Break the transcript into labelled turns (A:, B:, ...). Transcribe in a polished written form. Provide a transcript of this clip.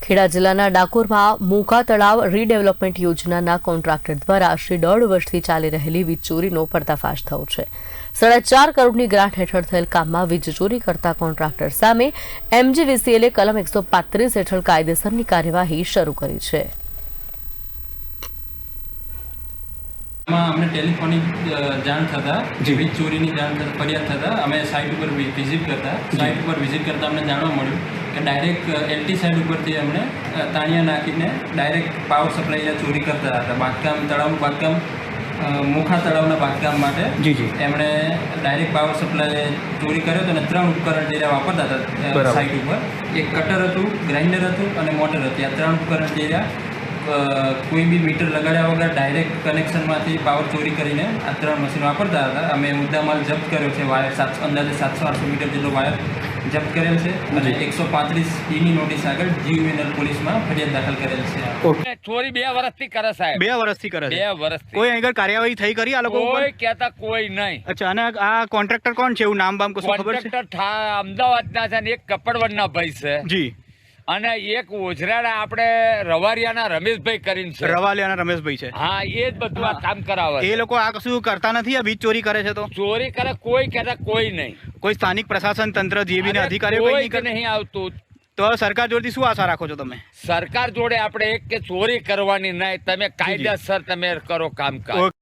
A: ખેડા જિલ્લાના ડાકોરમાં મોકા તળાવ રીડેવલપમેન્ટ યોજનાના કોન્ટ્રાક્ટર દ્વારા શ્રી 1.5 વર્ષથી ચાલી રહેલી વીજ ચોરીનો પર્દાફાશ થયો છે। 4.5 કરોડની ગ્રાન્ટ હેઠળ થયેલ કામમાં વીજ ચોરી કરતા કોન્ટ્રાક્ટર સામે MGVCLએ કલમ 135 હેઠળ કાયદેસરની કાર્યવાહી શરૂ કરી છે।
B: अमने टेलिफोनिक जाण थता वीज चोरी जाण फरियाद थता अमे साइट पर विजिट करता साइट पर विजिट करता अमने जाणवा मळ्युं कि डायरेक्ट LT साइड परथी अमने ताणिया नाखीने डायरेक्ट पावर सप्लाय चोरी करता हता। बांधकाम तळावनुं बांधकाम मोखा तळावना बांधकाम माटे एमणे डायरेक्ट पावर सप्लाय चोरी कर्यो तो 3 उपकरण जे वापरता हता साइट पर एक कटर हतुं, ग्राइंडर हतुं अने मोटर हती। आ 3 उपकरण जे कोई भी मीटर लगाड्या वगर डायरेक्ट कनेक्शन में पावर चोरी करीने आ 3 मशीन वापरता था। अमे मुद्दामाल जप्त कर्यो छे। वायर अंदाजे 700-800 मीटर जेटलो वायर जप्त करेल छे अने 135 नी नोटिस आगळ GUVNL पुलिस में फरियाद दाखल करेल छे।
C: चोरी 2 वर्षथी करे साहेब,
D: 2 वर्षथी करे।
C: 2 वर्षथी
D: कोई આગળ કાર્યવાહી થઈ કરી આ લોકો ઉપર?
C: કોઈ કહેતા કોઈ નહીં।
D: અચ્છા, અને આ કોન્ટ્રાક્ટર કોણ છે? એવું નામ બામ કશું ખબર છે?
C: કોન્ટ્રાક્ટર અમદાવાદના છે ને એક કપડવનના ભાઈ છે
D: જી,
C: અને એક ઓજરાના આપણે રવારિયાના રમેશભાઈ કરીને છે।
D: રવાલિયાના રમેશભાઈ છે।
C: હા, એ જ બધું આ કામ કરાવે।
D: એ લોકો આ કશું કરતા નથી? આ વીજ ચોરી કરે છે તો
C: ચોરી કરે કોઈ કહેતા કોઈ નહીં।
D: કોઈ સ્થાનિક પ્રશાસન તંત્ર જેબી ના અધિકારીઓ
C: કોઈ
D: કોઈ
C: નહીં આવતું।
D: તો સરકાર જોડેથી શું આશા રાખો છો તમે?
C: સરકાર જોડે આપણે એક કે ચોરી કરવાની નહીં, તમે કાયદેસર તમે કરો કામકાજ।